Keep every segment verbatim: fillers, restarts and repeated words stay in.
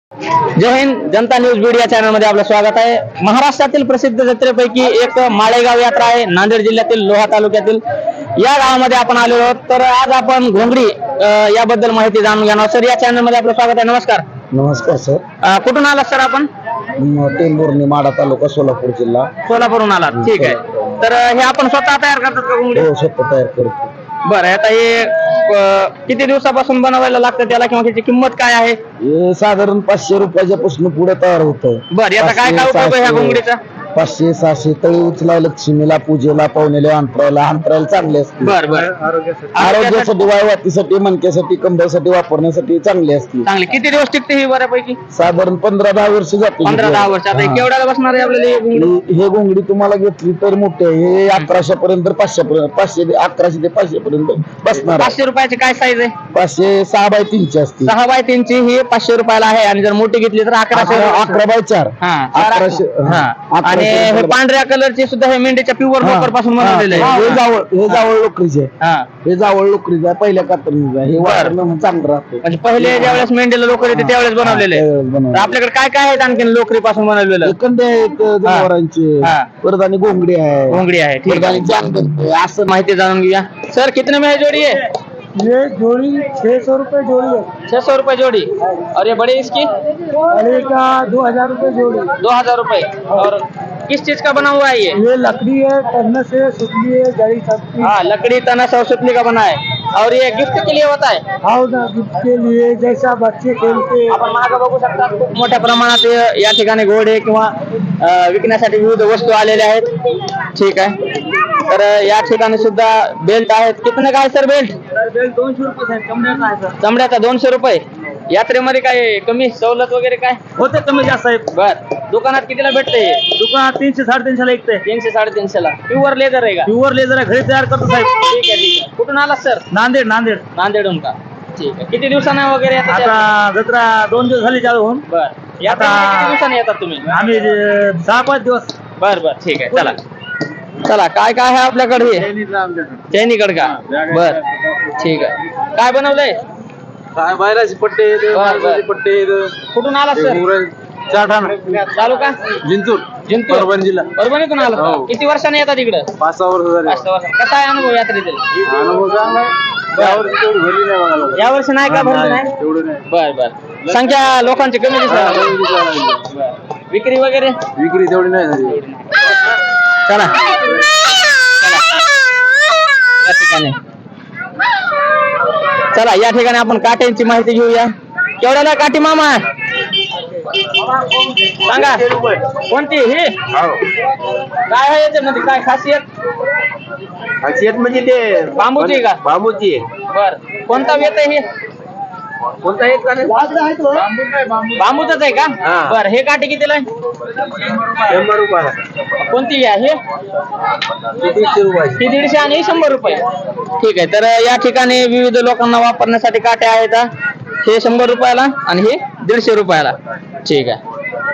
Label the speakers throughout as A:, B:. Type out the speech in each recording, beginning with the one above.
A: जय Hind. Janata news Beed या channel मध्ये आपलं स्वागत आहे. महाराष्ट्रातील प्रसिद्ध जत्रेपैकी एक माळेगाव यात्रा आहे नांदेड जिल्ह्यातील लोहा तालुक्यातील. या गावामध्ये आपण आलेलो आहोत. तर आज आपण घोंगडी अं, याबद्दल माहिती जाणून घेणार. सर, या चॅनल मध्ये आपलं स्वागत आहे. नमस्कार.
B: नमस्कार सर.
A: अं, कुठून आलात सर आपण?
B: टेंभुर्णी माडा तालुका सोलापूर जिल्हा.
A: सोलापूरहून आलात. ठीक आहे. तर अं, हे आपण स्वतः तयार करतात का घोंगडी?
B: हो, स्वतः तयार करतो.
A: बरं, आता हे अं, किती दिवसापासून बनवायला लागतं त्याला, किंवा त्याची किंमत काय आहे?
B: हे साधारण पाचशे रुपयाच्या पासून पुढे तयार होतं.
A: बरं, याचा काय काय उपयोग आहे ह्या घोंगडीचा?
B: पाचशे सहाशे तळी उचला, लक्ष्मीला, पूजेला, पाहुणेला, अंतरायला अंतरायला चांगले असते.
A: बरं बरं.
B: आरोग्यासाठी, वायवातीसाठी, मणक्यासाठी, कंबरसाठी वापरण्यासाठी चांगली असते.
A: चांगली. किती दिवस टिकते ही बऱ्यापैकी?
B: साधारण पंधरा दहा वर्ष जाते.
A: पंधरा दहा वर्ष. आता हे केवढ्याला बसणार आहे आपल्याला ही घोंगडी?
B: हे हे घोंगडी तुम्हाला घेतली तर मोठे हे अकराशे पर्यंत, पाचशे पर्यंत, पाचशे ते अकराशे ते पाचशे पर्यंत बसणार.
A: पाचशे रुपयाची काय साईज आहे?
B: पाचशे सहा बाय तीनची असते.
A: सहा बाय तीनची ही पाचशे रुपयाला आहे, आणि जर मोठी घेतली तर अकराशे.
B: अकरा अकरा बाय चार.
A: हा,
B: अकराशे.
A: हा. आणि हे पांढऱ्या कलरचे सुद्धा हे मेंढीच्या प्युअर लोकर पासून बनवलेले
B: हे
A: आहे.
B: जावळ हे जावळ लोकरीचे आहे.
A: हा,
B: हे जावळ लोकरीचे आहे, पहिल्या कातरणीचं आहे. हे वापरणं चांगलं राहतं.
A: म्हणजे पहिले ज्यावेळेस मेंढीला लोकर येते त्यावेळेस बनवलेले आहे.
B: त्यावेळेस बनवलेलं.
A: तर आपल्याकडे काय काय आहेत आणखी लोकरी पासून बनवलेलं?
B: हे कंडे आहेत जनावरांचे,
A: हा.
B: परत आणि घोंगडी आहे,
A: घोंगडी आहे. ठीक
B: परत
A: आहे.
B: आणि जानगट आहे.
A: असं माहिती जाणून घेऊया. सर, कितने में है जोड़ी है?
B: ये जोड़ी छह सौ रुपए जोड़ी है.
A: छह सौ रुपए जोड़ी. और ये बड़ी इसकी?
B: बड़े का दो हजार रुपए जोड़ी.
A: दो हजार रुपए. और किस चीज का बना हुआ है ये?
B: ये लकड़ी है, तन्ने से सुतली है, जड़ी सबकी.
A: हाँ, लकड़ी तना सरस्वती का बना है. और ये गिफ्ट के लिए होता है?
B: हाँ ना, गिफ्ट के लिए जैसा बच्चे खेलते.
A: आपण मागं बघू शकता, खूप मोठ्या प्रमाणात या ठिकाणी घोडे किंवा अं, विकण्यासाठी विविध वस्तू आलेल्या आहेत. ठीक आहे. तर या ठिकाणी सुद्धा बेल्ट आहेत. कितने काय सर बेल्ट?
B: बेल्ट दोनशे रुपये आहे, चमड्याचा आहे सर.
A: चमड्याचा दोनशे रुपये. यात्रेमध्ये काय कमी सवलत वगैरे काय
B: होते कमी जास्त आहे.
A: बर, दुकानात कितीला भेटते?
B: दुकानात तीनशे साडेतीनशे ला ऐकते.
A: तीनशे साडेतीनशे ला. प्युअर लेदर आहे का?
B: प्युअर लेझर आहे, घरी तयार करतो साहेब.
A: ठीक आहे, ठीक आहे. कुठून आलात सर?
B: नांदेड. नांदेड.
A: नांदेडहून का? ठीक आहे. किती दिवसांना वगैरे येतात?
B: आता जत्रा दोन दिवस झाली चालू होऊन.
A: बर, यात्रा
B: आता-
A: किती दिवसांनी येतात तुम्ही?
B: आम्ही अं, सहा पाच दिवस.
A: बर बर, ठीक आहे. चला चला, काय काय आहे आपल्याकडे? चैनीकड का? बर, ठीक आहे. काय बनवलंय?
B: काय बायराचे पट्टे आहेत,
A: बर, बर.
B: माणसाचे पट्टे आहेत.
A: कुठून आलात सर?
B: चाठाणा.
A: चालू का?
B: जिंतूर.
A: जिंतूर.
B: परभणी जिल्हा.
A: परभणीतून आलात का?
B: हो.
A: किती वर्षांनी येतात इकडं?
B: पाच सहा वर्ष झाले.
A: पाच सहा वर्ष. कसा आहे अनुभव यात्रेतील?
B: अनुभव चांगला आहे. यावर्षी तेवढी भरली नाही बघायला.
A: या वर्षी नाही का भरली नाही?
B: तेवढं नाही.
A: बर बर. संख्या लोकांची कमी दिसत.
B: हा, कमी दिसायला लागली.
A: बर. विक्री वगैरे?
B: विक्री तेवढी नाही झाली.
A: चला चला. या ठिकाणी चला या ठिकाणी आपण काट्यांची माहिती घेऊया. केवढ्याला काठी मामा? सांगा. कोणती ही? काय आहे याच्यामध्ये, काय खासियत?
B: खासियत म्हणजे ते
A: बांबूची का?
B: बांबूची आहे.
A: बर, कोणता वेत आहे हे?
B: कोणता एक का नाही?
A: बांबूच आहे का?
B: हा.
A: बर, हे काठी कितीला आहे?
B: शंभर रुपयाला.
A: कोणती आहे?
B: दीडशे रुपये.
A: ही दीडशे आणि ही शंभर रुपये. ठीक आहे. तर या ठिकाणी विविध लोकांना वापरण्यासाठी काट्या आहेत. हे शंभर रुपयाला आणि हे दीडशे रुपयाला. ठीक आहे.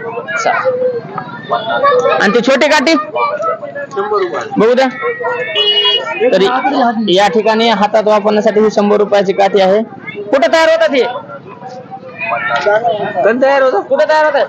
A: चालेल. आणि ती छोटी काठी
B: शंभर रुपये.
A: बघू द्या. तरी या ठिकाणी हातात वापरण्यासाठी ही शंभर रुपयाची काठी आहे. कुठे तयार होतात हे?
B: कधी तयार होतं?
A: कुठे तयार होतात?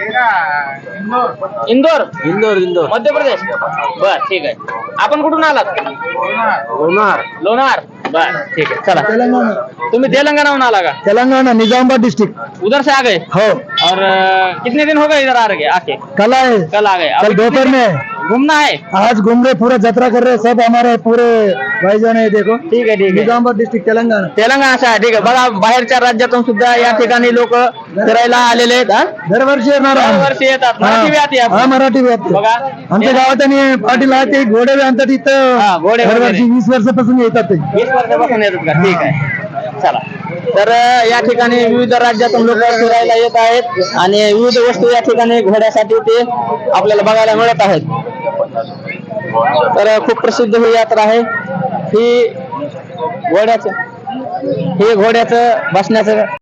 A: इंदोर.
B: इंदोर. इंदोर.
A: मध्य प्रदेश. बर, ठीक आहे. आपण कुठून आलात?
B: होणार.
A: लोणार. बर, ठीक है. चला, तुम्ही तेलंगाना आला का?
B: तेलंगाना, निजामाबाद डिस्ट्रिक्ट.
A: उधर से आ गए?
B: हो.
A: और अ, कितने दिन हो गए इधर आ गए आके?
B: कल आए.
A: कल आ गए?
B: कल
A: अभी
B: दोपहर
A: कितने-
B: में
A: घूमना है?
B: आज घूम रहे, पूरा जत्रा कर रहे, सब हमारे पूरे भाईजान है. देखो,
A: ठीक है, ठीक है.
B: निजामाबाद डिस्ट्रिक्ट तेलंगाना.
A: तेलंगणाचा आहे. ठीक आहे. बघा, बाहेरच्या राज्यातून सुद्धा या ठिकाणी लोक फिरायला आलेले आहेत. हा?
B: दरवर्षी येणार आम्ही.
A: दरवर्षी येतात. मराठी बी आती
B: हा,
A: आपण.
B: मराठी बी येते.
A: बघा.
B: आमच्या गावात आणि पाटील आहे ते घोडे बी आणतात इथं.
A: हा, घोडे वगैरे.
B: दरवर्षी वीस वर्षापासून येतात ते.
A: वीस वर्षापासून येतात का? ठीक आहे. चला. तर अ, या ठिकाणी विविध राज्यातून लोक फिरायला येत आहेत, आणि विविध वस्तू या ठिकाणी घोड्यासाठी ते आपल्याला बघायला मिळत आहेत. तर खूप प्रसिद्ध ही यात्रा आहे. ही घोड्याचं हे घोड्याचं बसण्याचं